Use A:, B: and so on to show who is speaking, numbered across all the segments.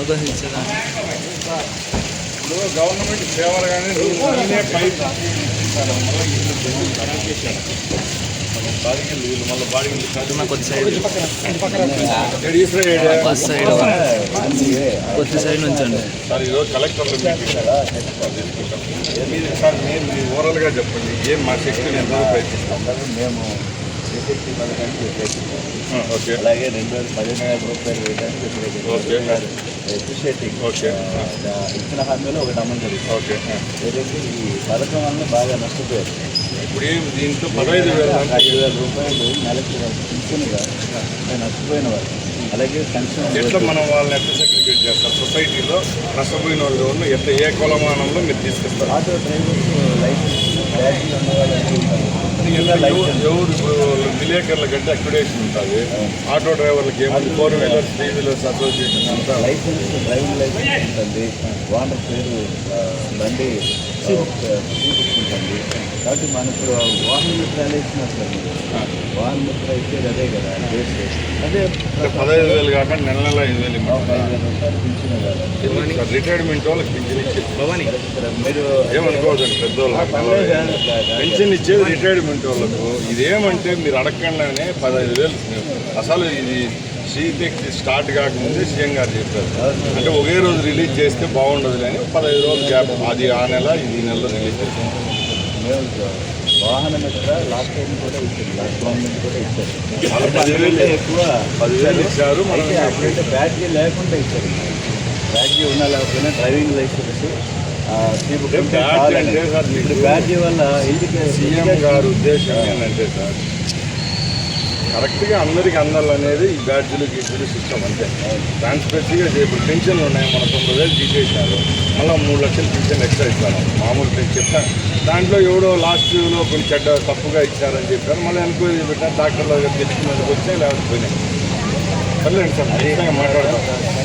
A: అవకాశం ఇచ్చారా?
B: గవర్నమెంట్ సేవలు కానీ
A: కొద్ది సైడ్ బస్ సైడ్ కొద్ది సైడ్ నుంచండి
B: సార్. ఈరోజు కలెక్టర్లు సార్ మీరు ఓవరాల్గా చెప్పండి, ఏం మా శక్తిని ఎంతో ప్రయత్నిస్తాం
C: మేము శక్తి పథకానికి
B: ఓకే.
C: అలాగే 2015 రూపాయలు వేయడానికి
B: ఓకే.
C: Appreciating
B: okay.
C: ఇచ్చిన హామీలో ఒకటి అమలు జరుగుతుంది.
B: ఓకే.
C: ఏదైతే ఈ పథకం వల్ల బాగా నష్టపోయారు.
B: ఇప్పుడు ఏం దీంట్లో 15,000
C: రూపాయలు నెలకి పింఛన్గా నష్టపోయిన వారు. అలాగే పెన్షన్
B: ఎట్లా మనం వాళ్ళని ఎట్లా సెగ్రిగేట్ చేస్తారు? సొసైటీలో నష్టపోయిన వాళ్ళు ఎట్లా ఏ కొలమానంలో మీరు తీసుకొస్తారు?
C: ఆటో డ్రైవర్స్ లైసెన్స్ బ్యాటరీ ఉన్న
B: ఎవరు విలేకరుల కంటే అక్యుడేషన్ ఉంటుంది. ఆటో డ్రైవర్లకి ఏమంటే 4 వీలర్స్ 3 వీలర్స్ అసోసియేషన్ అంతా
C: లైసెన్స్ డ్రైవింగ్ లైసెన్స్ ఉంటుంది. ఓనర్ పేరు బండి చూపించుకుంటుంది. కాబట్టి మనకు వాహన మిత్రాలు ఇచ్చినట్లు వాహన మిత్ర ఇచ్చేది అదే కదా బేస్. అదే
B: 15,000 కాకుండా నెల 5,000
C: రూపాయలు పింఛన్ కదా.
B: రిటైర్మెంట్ వాళ్ళకి పింఛన్ ఇచ్చేది
C: మీరు
B: ఏమనుకోవద్దండి. పెద్దవాళ్ళు పెన్షన్ ఇచ్చేది రిటైర్మెంట్ వాళ్ళకు. ఇదేమంటే మీరు అడగకుండానే 15,000 అసలు ఇది సీటెక్ స్టార్ట్ కాకముందే సీఎం గారు చెప్పారు. అంటే ఒకే రోజు రిలీజ్ చేస్తే బాగుండదు అని 15 రోజులు గ్యాప్. అది ఆ నెల ఇది నెలలో రిలీజ్ చేస్తాం.
C: వాహన మిత్ర లాస్ట్ టైం కూడా ఇచ్చారు, లాస్ట్ గవర్నమెంట్ కూడా ఇచ్చారు.
B: 10,000
C: ఎక్కువ
B: 10,000 ఇచ్చారు.
C: అప్పుడైతే బ్యాటరీ లేకుండా ఇచ్చారు. బ్యాటరీ ఉన్నా లేకపోయినా డ్రైవింగ్ లైసెన్స్ ఇప్పుడు బ్యాటరీ వల్ల
B: సీఎం గారు ఉద్దేశం ఏంటంటే సార్, కరెక్ట్గా అందరికీ అందాలనేది ఈ బ్యాడ్జీలు గీడ్జీలు సిస్టమ్ అంతే. ట్రాన్స్పరెన్సీగా ఇప్పుడు పెన్షన్లు ఉన్నాయి, మన 90,000 తీసేసినారు, మళ్ళీ 3 లక్షలు పెన్షన్ ఎక్స్ట్రా ఇస్తాను. మామూలు చెప్తాను దాంట్లో ఎవడో లాస్ట్లో కొంచెం చెడ్డ తప్పుగా ఇచ్చారని చెప్పారు. మళ్ళీ ఎంక్వైరీ పెట్టారు, డాక్టర్ల దగ్గర తెచ్చుకునేందుకు వచ్చాయి లేకపోయినాయి. సర్లేండి సార్, ఖచ్చితంగా మాట్లాడతాం.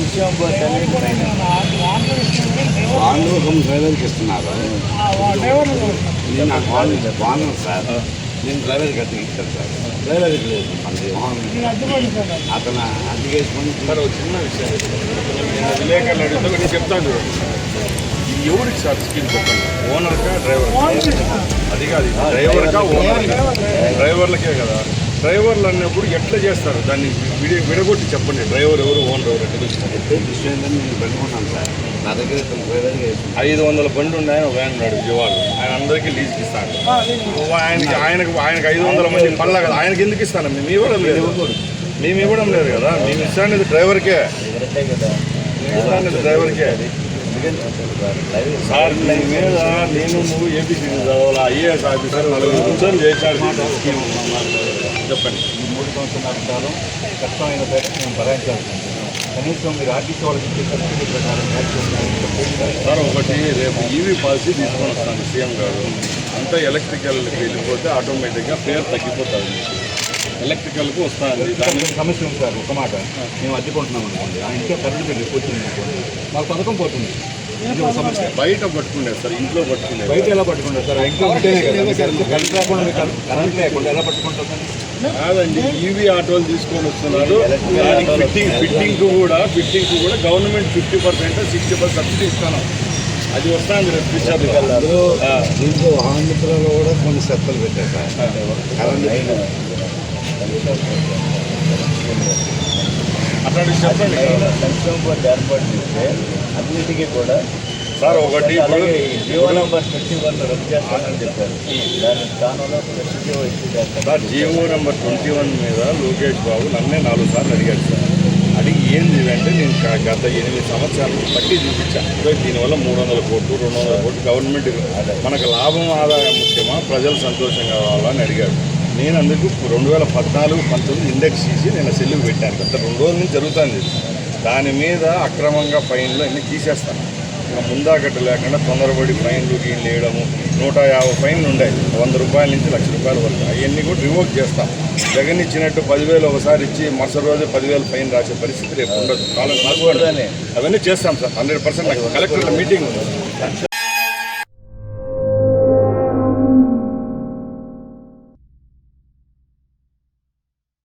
D: వాహనం డ్రైవర్కి ఇస్తున్నారు. నాకు వాహనం సార్, నేను డ్రైవర్కి అద్దెకి ఇచ్చాను సార్. డ్రైవర్కి లేదు అతను అద్దెకి వేసుకొని.
B: సార్ ఒక చిన్న విషయం, నేను విలేకరులు అడిగితే నేను చెప్తాను చూడండి. ఇది ఎవరికి సార్ స్కీమ్ చెప్పండి? ఓనర్కా డ్రైవర్? అది కాదు, డ్రైవర్కా ఓనర్కా? డ్రైవర్లకే కదా. డ్రైవర్లు అన్నప్పుడు ఎట్లా చేస్తారు దాన్ని? విడగొట్టి చెప్పండి. డ్రైవర్ ఎవరు ఓనర్ ఎవరు ఎట్లా తెలుస్తుంది?
D: నేను పెట్టుకున్నాను సార్. నా దగ్గర
B: 500 బండి ఉన్నాయని ఒక ఆయన ఉన్నాడు విజయవాడ. ఆయన అందరికీ లీజ్కి ఇస్తాను. ఆయనకు 500 మంది పనులు కదా, ఆయనకి ఎందుకు ఇస్తాను? మేము ఇవ్వడం లేదు. మేము ఇవ్వడం లేదు కదా. మేము ఇస్తానేది డ్రైవర్కే. ఇస్తానేది డ్రైవర్కే. సార్ మీ మీద నేను నువ్వు ఏపీసీ చదవాలి, ఐఏఎస్ ఆఫీసర్ 4 కూర్చొని చేశాడు. చెప్పండి.
C: ఈ 3 సంవత్సరాల కాలం కష్టమైన పేరు మేము భరాయించాల్సి ఉంటుంది. కనీసం మీరు ఆర్టీసీ వాళ్ళకి ఇచ్చే సబ్సిడీ ప్రకారం
B: సార్ ఒకటి, రేపు ఈవీ పాలసీ తీసుకొని వస్తాను సీఎం గారు. అంతా ఎలక్ట్రికల్కి వెళ్ళిపోతే ఆటోమేటిక్గా ఫేర్ తగ్గిపోతుంది. మీకు ఎలక్ట్రికల్కు వస్తుంది.
C: దాని సమస్య ఉంది సార్. ఒక మాట, మేము అడ్డుకుంటున్నాం అనుకోండి, ఆ ఇంట్లో కరెంట్ బిల్లు పోతుంది అనుకోండి, మాకు పథకం పోతుంది. ఇది ఒక సమస్య.
B: బయట పట్టుకునేది సార్, ఇంట్లో పట్టుకునేది.
C: బయట ఎలా పట్టుకుంటారు సార్? ఇంట్లో ఉంటేనే కదా. కరెంట్ లేకుండా కరెంట్ లేకుండా ఎలా పట్టుకుంటారు సార్?
B: కాదండి, ఈవీ ఆటోలు తీసుకొని వస్తున్నారు. ఫిట్టింగ్ కూడా గవర్నమెంట్ 50% 60% సబ్సిడీ ఇస్తాను. అది వస్తుంది రేపు ఫ్యూచర్.
D: దీంట్లో వాహన మిత్రాలు కూడా కొన్ని సత్తలు పెట్టారు సార్.
B: అట్లాంటి చెప్పండి.
C: సంక్షేమ బోర్డు ఏర్పాటు చేస్తే అన్నిటికీ కూడా
B: సార్ ఒకటి
C: జీవో నెంబర్ 21 రద్దు చేస్తానని చెప్పారు. దాని స్థానంలో
B: సార్ జీవో నెంబర్ 21 మీద లోకేష్ బాబు నన్నే 4 సార్లు అడిగాడు సార్. అడిగి ఏంది అంటే నేను గత 8 సంవత్సరాలు పట్టి చూపించాను. దీనివల్ల 300 కోట్లు 200 కోట్లు గవర్నమెంట్ మనకు లాభం ఆదాయం ముఖ్యమా, ప్రజలు సంతోషంగా కావాలని అడిగాడు. నేను అందుకు 2014-19 ఇండెక్స్ చేసి నేను సెల్లుకు పెట్టాను. గత 2 రోజుల నుంచి జరుగుతుంది. దాని మీద అక్రమంగా ఫైన్లు అన్నీ తీసేస్తాను. ముందాకట్టు లేకుండా తొందరపడి ఫైన్లు గీన్లు వేయడము. 150 ఫైన్లు ఉన్నాయి, 100 రూపాయల నుంచి 1,00,000 రూపాయల వరకు. అవన్నీ కూడా రివోక్ చేస్తాం. జగన్ ఇచ్చినట్టు 10,000 ఒకసారి ఇచ్చి మరుసటి రోజు 10,000 ఫైన్ రాసే పరిస్థితి రేపు ఉండదు. అవన్నీ చేస్తాం సార్ 100%. కలెక్టర్ల మీటింగ్ ఉంది.